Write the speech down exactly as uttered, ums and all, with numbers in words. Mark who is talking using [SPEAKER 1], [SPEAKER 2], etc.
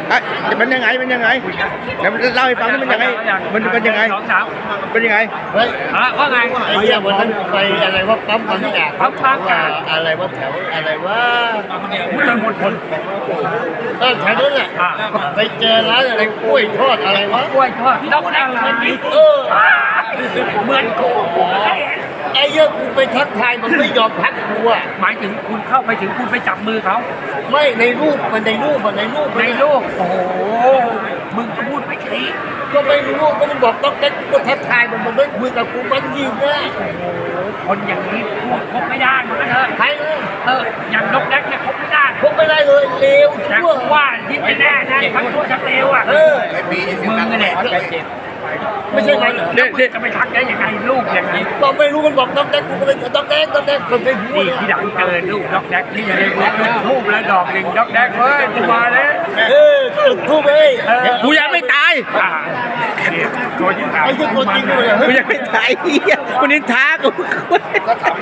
[SPEAKER 1] อ่ะมันยังไงมันยังไงเดี๋ยวเล่าให้ฟังนี่มันยังไงมันเป็นยังไง
[SPEAKER 2] สองสาว
[SPEAKER 1] เป็นยังไง
[SPEAKER 3] เฮ้ย
[SPEAKER 2] อ่ะว่าไง
[SPEAKER 3] ไอ้เหี้ยวันนั้นไปอะไรว่าปั๊มบางจาก
[SPEAKER 2] ปั๊มบางจาก
[SPEAKER 3] อะไรว่าแถวอะไรว่า
[SPEAKER 2] พุทธมณฑล
[SPEAKER 3] เออแถวนั้นแหละ
[SPEAKER 2] อ่ะ
[SPEAKER 3] ไปเจอร้านอะไรกล้วยทอดอะไรวะ
[SPEAKER 2] กล้วยทอดดอกอะไร
[SPEAKER 3] เออ
[SPEAKER 2] เหมือนกู
[SPEAKER 3] ไอ้เหี้ยกูไปทักทายมันไม่ยอมทักกูอ่ะ
[SPEAKER 2] หมายถึงคุณเข้าไปถึงคุณไปจับมือเขา
[SPEAKER 3] ไม่ในรูปมันในรูปมันในรูป
[SPEAKER 2] ในโลกโอ้โหมึงจะพูดไม่คิด
[SPEAKER 3] ก็ไม่รู้ก็มันบอกต้องเด็กก็ทักทายมันมันไม่คุยกับกูมันยิงนะ
[SPEAKER 2] คนอย่างนี้พูดคบไม่ได้เหมือนกันเถอะ
[SPEAKER 3] ใครเลย
[SPEAKER 2] เอออย่างนกแดกเนี่ยคบไม่ได้
[SPEAKER 3] พกไม่ได้เลยเลว
[SPEAKER 2] แต่
[SPEAKER 3] ชั่ว
[SPEAKER 2] ว่าที่ไม่แน่นะทั้งตัวทั้งเลวอ่ะ
[SPEAKER 3] เออ
[SPEAKER 2] มึงนั่นแหละ
[SPEAKER 3] ไม่ใช่มันเหรอ
[SPEAKER 2] เด็กจะไปทักได้ยังไงลูกอย่างนี้
[SPEAKER 3] บอกไม่รู้มันบอกต้องเด็กกูก็เลยต้องเด็กต้องเด็กมันไปพูด
[SPEAKER 2] นี่ที่หลังเกินลูกดอกแดกนี่เลยทูบแล้วดอกหนึ่งดอกแดกเฮ้ยกูมาแล้ว
[SPEAKER 3] เออจุดทูบเอ้ย
[SPEAKER 1] กูยังไม่ตาย
[SPEAKER 2] อ่าเนี่ยตัวที่ถาม
[SPEAKER 3] ไอ้ที่คนจริงด้วย
[SPEAKER 1] กูยังไม่ตายเฮียคนนี้ท้ากู